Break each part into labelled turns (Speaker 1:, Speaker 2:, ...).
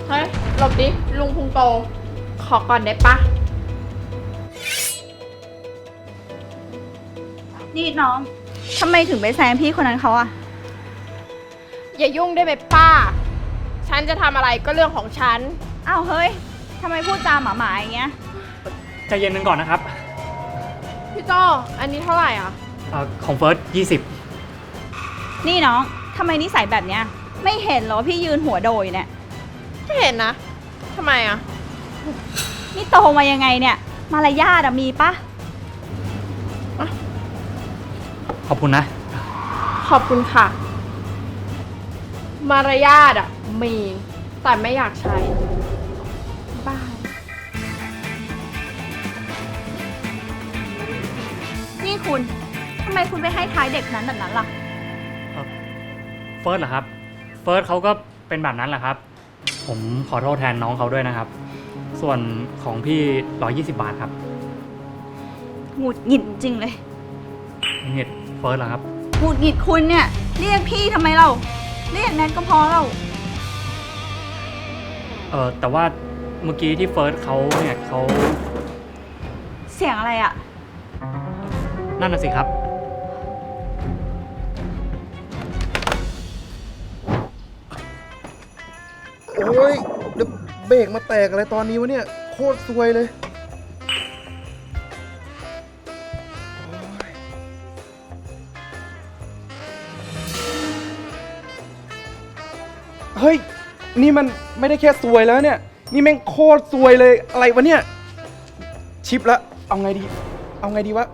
Speaker 1: เฮ้ยหลบดิลุงพุงโตขอก่อนได้ปะ
Speaker 2: นี่น้องทำไมถึงไปแซงพี่คนนั้นเขาอะ
Speaker 1: อย่ายุ่งได้ไหมป้าฉันจะทำอะไรก็เรื่องของฉัน
Speaker 2: อ้าวเฮ้ยทำไมพูดจาหมาๆอย่างเงี้ย
Speaker 3: ใจเย็นกันก่อนนะครับ
Speaker 1: พี่โจอันนี้เท่าไหร่อ่ะ
Speaker 3: ของเฟิร์ส20
Speaker 2: นี่น้องทำไมนิสัยแบบเนี้ยไม่เห็นเหรอพี่ยืนหัวโดยเนี่ย
Speaker 1: ไม่เห็นนะทำไมอ่ะ
Speaker 2: นี่โตมายังไงเนี่ยมารยาทมีปะ
Speaker 3: ขอบคุณนะ
Speaker 1: ขอบคุณค่ะมารยาทมีแต่ไม่อยากใช้บ้า
Speaker 2: นี่คุณทำไมคุณไปให้ท้ายเด็กนั้นแบบนั้นล่ะ
Speaker 3: เฟิร์สเหรอครับเฟิร์สเขาก็เป็นแบบนั้นแหละครับผมขอโทษแทนน้องเขาด้วยนะครับส่วนของพี่120 บาทครับ
Speaker 2: หงุดหงิดจริงเลย
Speaker 3: เงียบเฟิร์สเหรอครับ
Speaker 2: หงุดหงิดคุณเนี่ยเรียกพี่ทำไมเราเรียกแนทก็พอเรา
Speaker 3: แต่ว่าเมื่อกี้ที่เฟิร์สเขาเนี่ยเขา
Speaker 2: เสียงอะไรอะ
Speaker 3: นั่นน่ะสิครับ
Speaker 4: โอ้ยเดี๋ยวเบรกมาแตกอะไรตอนนี้วะเนี่ยโคตรซวยเลยเฮ้ยนี่มันไม่ได้แค่ซวยแล้วเนี่ยนี่แม่งโคตรซวยเลยอะไรวะเนี่ยชิปละเอาไงดีวะ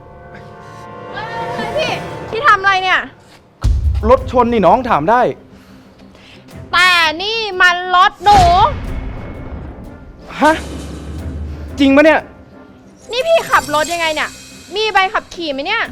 Speaker 1: พี่ทำอะไรเนี่ย
Speaker 4: รถชนนี่น้องถามได้
Speaker 1: แต่นี่มันรถหนู
Speaker 4: ฮะจริงปะเนี่ย
Speaker 1: นี่พี่ขับรถยังไงเนี่ยมีใบขับขี่ไหมเนี่ย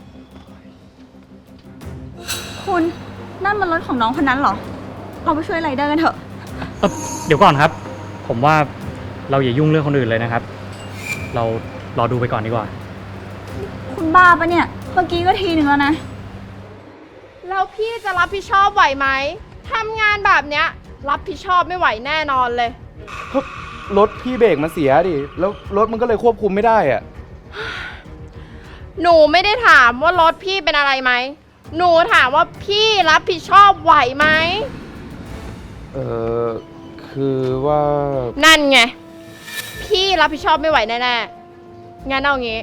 Speaker 2: คุณนั่นมันรถของน้องคนนั้นเหรอเราไปช่วยไรเดอร์กันเถอะ
Speaker 3: เดี๋ยวก่อนครับผมว่าเราอย่ายุ่งเรื่องคนอื่นเลยนะครับเรารอดูไปก่อนดีกว่า
Speaker 2: คุณบ้าปะเนี่ยเมื่อกี้ก็ทีหนึ่งแล้วนะ
Speaker 1: แล้วพี่จะรับผิดชอบไหวไหมทำงานแบบเนี้ยรับผิดชอบไม่ไหวแน่นอนเลย
Speaker 4: รถพี่เบรกมันเสียดิแล้วรถมันก็เลยควบคุมไม่ได้อะ
Speaker 1: หนูไม่ได้ถามว่ารถพี่เป็นอะไรไหมหนูถามว่าพี่รับผิดชอบไหวไหม
Speaker 4: คือว่า
Speaker 1: นั่นไงพี่รับผิดชอบไม่ไหวแน่ๆงั้นเอางี้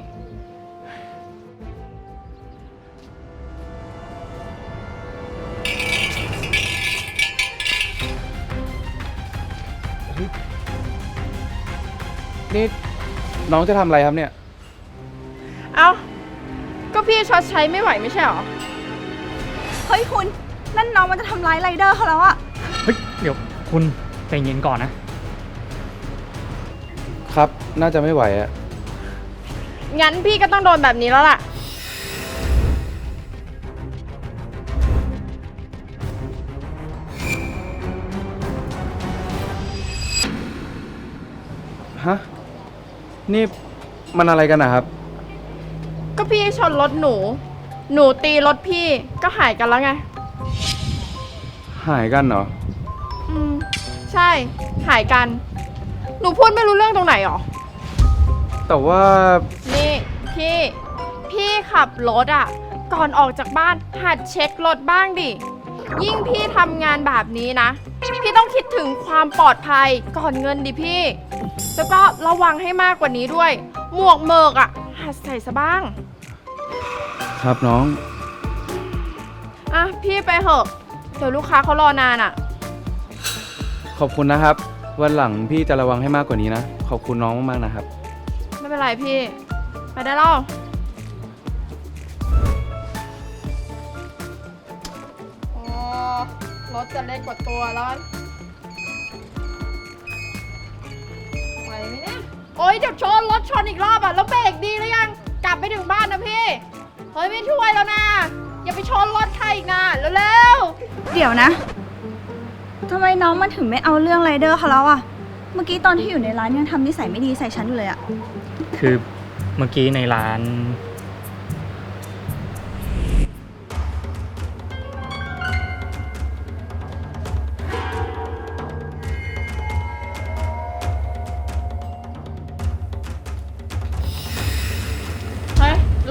Speaker 4: นี่น้องจะทำอะไรครับเนี่ย
Speaker 1: เอาก็พี่ชดใช้ไม่ไหวไม่ใช่หรอ
Speaker 2: เฮ้ยคุณนั่นน้องมันจะทำร้ายไรเดอร์เขาแล้วอะ
Speaker 3: เฮ้ยเดี๋ยวคุณใจเย็นก่อน
Speaker 4: นะครับน่าจะไม่ไหวอะ
Speaker 1: งั้นพี่ก็ต้องโดนแบบนี้แล้วล่ะ
Speaker 4: ฮะนี่มันอะไรกันนะครับ
Speaker 1: ก็พี่ชนรถหนูตีรถพี่ก็หายกันแล้วไง
Speaker 4: หายกันเหรอ
Speaker 1: ใช่หายกันหนูพูดไม่รู้เรื่องตรงไหนหรอ
Speaker 4: แต่ว่า
Speaker 1: นี่พี่ขับรถก่อนออกจากบ้านหัดเช็ครถบ้างดิยิ่งพี่ทำงานแบบนี้นะพี่ต้องคิดถึงความปลอดภัยก่อนเงินดิพี่แล้วก็ระวังให้มากกว่านี้ด้วยหมวกเมิกหัดใส่ซะบ้าง
Speaker 4: ครับน้อง
Speaker 1: พี่ไปเถอะเดี๋ยวลูกค้าเขารอนาน
Speaker 4: ขอบคุณนะครับวันหลังพี่จะระวังให้มากกว่านี้นะขอบคุณน้องมากๆนะครับ
Speaker 1: ไม่เป็นไรพี่ไปได้แล้วรถจะเล็กกว่าตัวแล้วไหวไหมเนี่ยโอ๊ยเดี๋ยวชนรถชนอีกรอบแล้วเบรกดีหรือยังกลับไปถึงบ้านนะพี่เฮ้ยไม่ช่วยแล้วนะอย่าไปชนรถใครอีกนะเร็ว
Speaker 2: ๆเดี๋ยวนะทำไมน้องมันถึงไม่เอาเรื่องไรเดอร์เขาแล้วอะเมื่อกี้ตอนที่อยู่ในร้านยังทำนิสัยไม่ดีใส่ฉันอยู่เลยอะ
Speaker 3: คือเมื่อกี้ในร้าน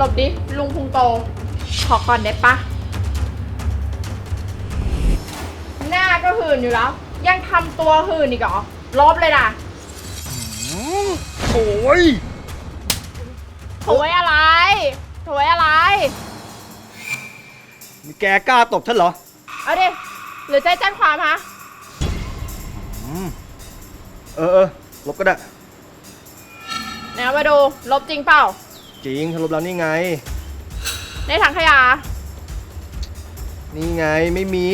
Speaker 1: ลบดิ ลุงพุงโต ขอก่อนได้ปะ หน้าก็หื่นอยู่แล้ว ยังทำตัวหื่นอีกเหรอ ลบเลยนะ
Speaker 5: โอ้ย
Speaker 1: โถยอะไรโถยอะไร
Speaker 5: นี่แกกล้าตบฉันเหรอ
Speaker 1: เอาดิ หรือใจแจ้งความฮะ
Speaker 5: เออ ลบก็ได้
Speaker 1: ไหนเอามาดู ลบจริงเปล่า
Speaker 5: จริงลบแล้วนี่ไง
Speaker 1: ในถังขยะ
Speaker 5: นี่ไงไม่มี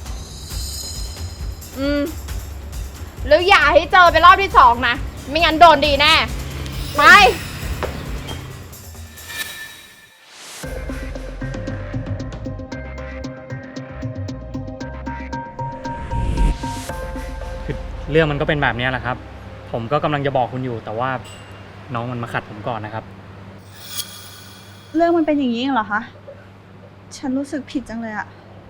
Speaker 1: หรืออย่าให้เจอเป็นรอบที่สองนะ ไม่งั้นโดนดีแน่ ไป
Speaker 3: คือเรื่องมันก็เป็นแบบนี้แหละครับ ผมก็กำลังจะบอกคุณอยู่ แต่ว่าน้องมันมาขัดผมก่อนนะครับ
Speaker 2: เรื่องมันเป็นอย่างนี้เองเหรอคะ ฉันรู้สึกผิดจังเลยอะ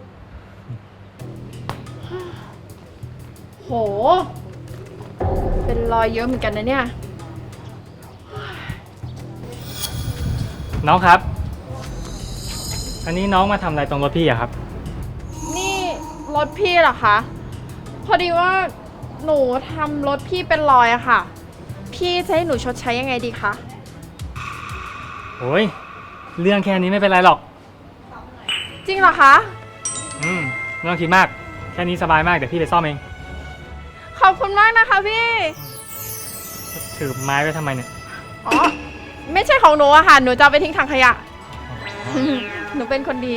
Speaker 1: โห เป็นรอยเยอะเหมือนกันนะเนี่ย
Speaker 3: น้องครับ อันนี้น้องมาทำอะไรตรงรถพี่อะครับ
Speaker 1: นี่รถพี่เหรอคะ พอดีว่าหนูทำรถพี่เป็นรอยอะค่ะ พี่จะให้หนูชดใช้ยังไงดีคะ
Speaker 3: โอ้ยเรื่องแค่นี้ไม่เป็นไรหรอก
Speaker 1: จริงเหรอคะ
Speaker 3: ไม่ต้องคิดมาก แค่นี้สบายมาก เดี๋ยวพี่ไปซ่อมเอง
Speaker 1: ขอบคุณมากนะคะพี่
Speaker 3: ถือไม้ไว้ทำไมเนี่ย
Speaker 1: อ๋อ ไม่ใช่ของหนูอะค่ะ หนูจะเอาไปทิ้งถังขยะ หนูเป็นคนดี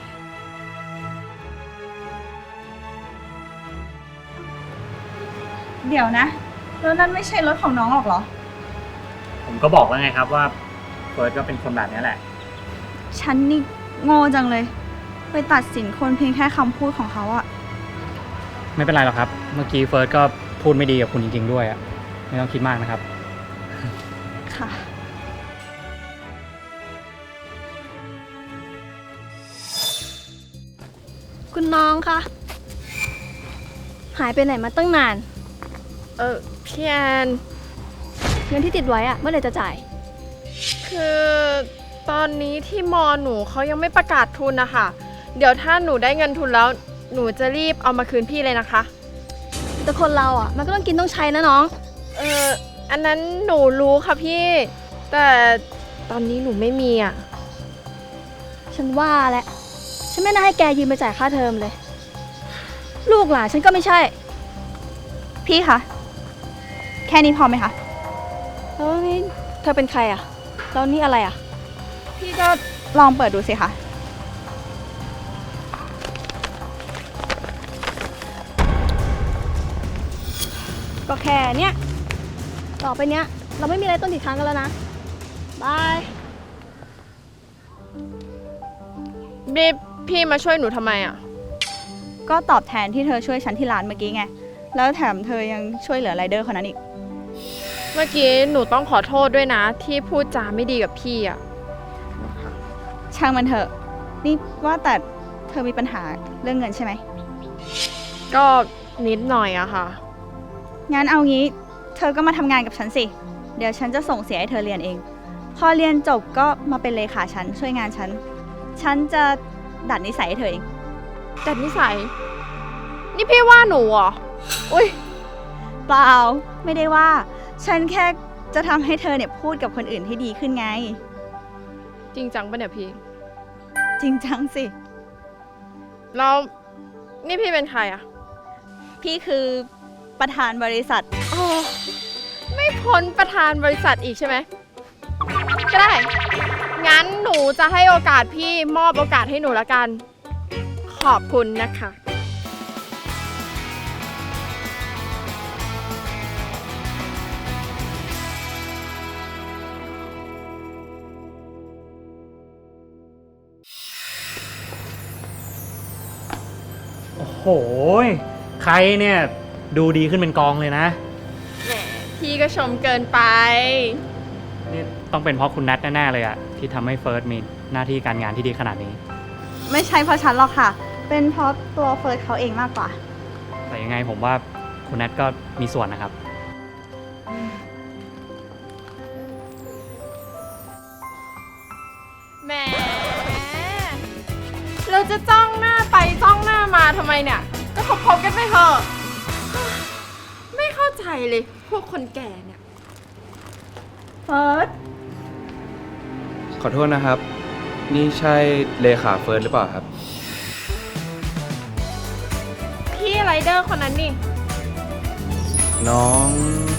Speaker 2: เดี๋ยวนะ แล้วนั่นไม่ใช่รถของน้องหรอกเหรอ
Speaker 3: ผมก็บอกแล้วไงครับว่าเฟิร์สก็เป็นคนแบบนี้แหละ
Speaker 2: ฉันนี่โง่จังเลย ไปตัดสินคนเพียงแค่คำพูดของเขาอะ
Speaker 3: ไม่เป็นไรหรอกครับ เมื่อกี้เฟิร์สก็พูดไม่ดีกับคุณจริงๆด้วยอะไม่ต้องคิดมากนะครับ
Speaker 2: ค่ะ
Speaker 6: คุณน้องคะหายไปไหนมาตั้งนาน
Speaker 1: พี่แอน
Speaker 6: เงินที่ติดไว้อะเมื่อไหร่จะจ่าย
Speaker 1: คือตอนนี้ที่มอหนูเขายังไม่ประกาศทุนนะคะ เดี๋ยวถ้าหนูได้เงินทุนแล้ว หนูจะรีบเอามาคืนพี่เลยนะคะ
Speaker 6: แต่คนเราอะมันก็ต้องกินต้องใช้นะน้อง
Speaker 1: อันนั้นหนูรู้ค่ะพี่ แต่ตอนนี้หนูไม่มีอ่ะ
Speaker 6: ฉันว่าแหละฉันไม่น่าให้แกยืมไปจ่ายค่าเทอมเลย ลูกหลานฉันก็ไม่ใช่
Speaker 2: พี่คะ แค่นี้พอไหมคะ
Speaker 6: แล้วนี่เธอเป็นใครอะแล้วนี่อะไรอะ
Speaker 2: พี่ก็ลองเปิดดูสิคะ
Speaker 6: ก็แค่เนี้ยต่อไปเนี้ยเราไม่มีอะไรต้องติดค้างกันแล้วนะบาย
Speaker 1: นี่พี่มาช่วยหนูทำไมอ่ะ
Speaker 2: ก็ตอบแทนที่เธอช่วยฉันที่ร้านเมื่อกี้ไง แล้วแถมเธอยังช่วยเหลือไรเดอร์คนนั้นอีก
Speaker 1: เมื่อกี้หนูต้องขอโทษด้วยนะ ที่พูดจาไม่ดีกับพี่อ่ะ
Speaker 2: ช่างมันเถอะ นี่ว่าแต่เธอมีปัญหาเรื่องเงินใช่ไหม
Speaker 1: ก็นิดหน่อยอะค่ะ
Speaker 2: งั้นเอางี้ เธอก็มาทำงานกับฉันสิ เดี๋ยวฉันจะส่งเสียให้เธอเรียนเอง พอเรียนจบก็มาเป็นเลขาฉันช่วยงานฉัน ฉันจะดัดนิสัยให้เธอเอง
Speaker 1: แต่นิสัย นี่พี่ว่าหนูเหรอ อุ้ย
Speaker 2: เปล่า ไม่ได้ว่า ฉันแค่จะทำให้เธอเนี่ยพูดกับคนอื่นให้ดีขึ้นไง
Speaker 1: จริงจังปะเนี่ยพี่
Speaker 2: จริงจังสิ
Speaker 1: แล้วนี่พี่เป็นใครอะ
Speaker 2: พี่คือประธานบริษัท
Speaker 1: อ๋อไม่พ้นประธานบริษัทอีกใช่ไหม ก็ได้ งั้นหนูจะให้โอกาสพี่มอบโอกาสให้หนูละกัน ขอบคุณนะคะ
Speaker 3: โอ้โห ใครเนี่ยดูดีขึ้นเป็นกองเลยนะ
Speaker 1: แหม พี่ก็ชมเกินไป
Speaker 3: นี่ต้องเป็นเพราะคุณนัทแน่ๆเลยอะที่ทำให้เฟิร์สมีหน้าที่การงานที่ดีขนาดนี้
Speaker 2: ไม่ใช่เพราะฉันหรอกค่ะ เป็นเพราะตัวเฟิร์สเขาเองมากกว่า
Speaker 3: แต่ยังไงผมว่าคุณนัทก็มีส่วนนะครับ
Speaker 1: แหมเราจะจ้องหน้าไปจ้องหน้ามาทำไมเนี่ย ก็คบๆกันไปเถอะไม่เข้าใจเลยพวกคนแก่เนี่ย
Speaker 2: เฟิร์ส
Speaker 4: ขอโทษนะครับ นี่ใช่เลขาเฟิร์สหรือเปล่าครับ
Speaker 1: พี่ไรเดอร์คนนั้นนี่
Speaker 4: น้อง